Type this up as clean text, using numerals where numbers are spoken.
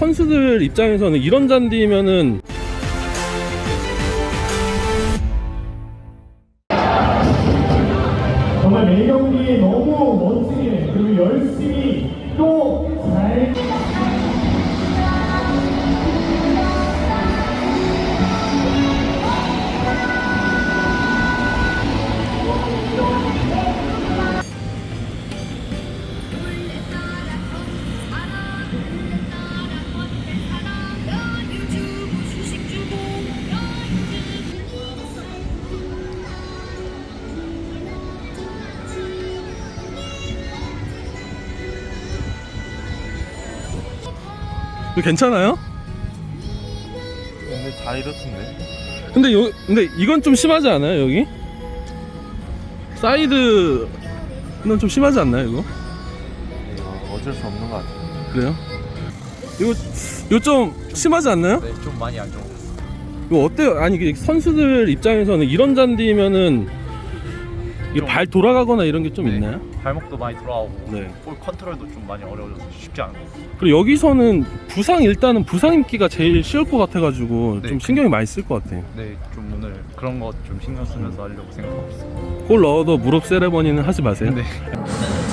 선수들 입장에서는 이런 잔디면은 정말 매 경기 너무 멋지게 그리고 열심히 또 잘 이거 괜찮아요? 근데 다 이렇던데. 근데 이건 좀 심하지 않아요? 여기 사이드는 좀 심하지 않나요? 이거? 이거 어쩔 수 없는 것 같아요. 그래요? 이거 좀 심하지 않나요? 네, 좀 많이 안 좋았어요. 이거 어때요? 아니 그 선수들 입장에서는 이런 잔디면은 이게 발 돌아가거나 이런 게 좀 네. 있나요? 발목도 많이 돌아오고 네. 볼 컨트롤도 좀 많이 어려워져서 쉽지 않은 것 같아요. 그리고 여기서는 일단은 부상 입기가 제일 쉬울 것 같아가지고 네. 좀 신경이 많이 쓸 것 같아요. 네, 좀 오늘 그런 거 좀 신경 쓰면서 하려고 생각하고 있어요. 골 넣어도 무릎 세레머니는 하지 마세요. 네.